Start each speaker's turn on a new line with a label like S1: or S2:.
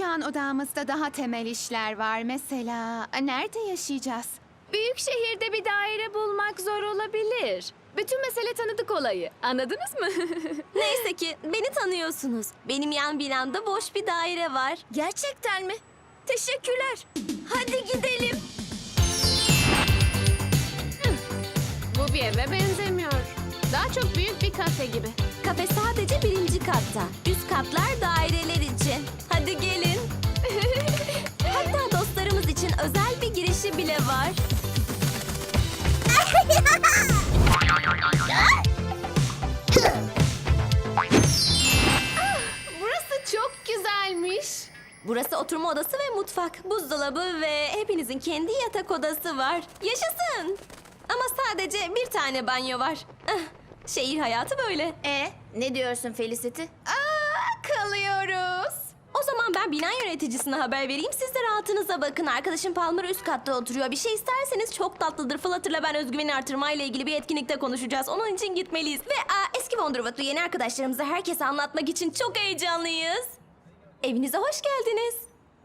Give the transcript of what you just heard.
S1: Şu an odamızda daha temel işler var. Mesela nerede yaşayacağız?
S2: Büyük şehirde bir daire bulmak zor olabilir. Bütün mesele tanıdık olayı. Anladınız mı?
S3: Neyse ki beni tanıyorsunuz. Benim yan binamda boş bir daire var.
S2: Gerçekten mi? Teşekkürler. Hadi gidelim.
S4: Bu bir eve benzemiyor. Daha çok büyük bir kafe gibi.
S3: Kafe sadece 1. katta. Üst katlar daireler için. Hadi gelin. Hatta dostlarımız için özel bir girişi bile var.
S4: Burası çok güzelmiş.
S3: Burası oturma odası ve mutfak, buzdolabı ve hepinizin kendi yatak odası var. Yaşasın! Ama sadece bir tane banyo var. Şehir hayatı böyle.
S2: Ne diyorsun Felicity?
S1: Kalıyoruz.
S3: O zaman ben bina yöneticisine haber vereyim. Siz de rahatınıza bakın. Arkadaşım Palmer üst katta oturuyor. Bir şey isterseniz çok tatlıdır. Flutter'la ben özgüveni artırmayla ilgili bir etkinlikte konuşacağız. Onun için gitmeliyiz. Ve eski Wonderwood'lu yeni arkadaşlarımıza herkese anlatmak için çok heyecanlıyız. Evinize hoş geldiniz.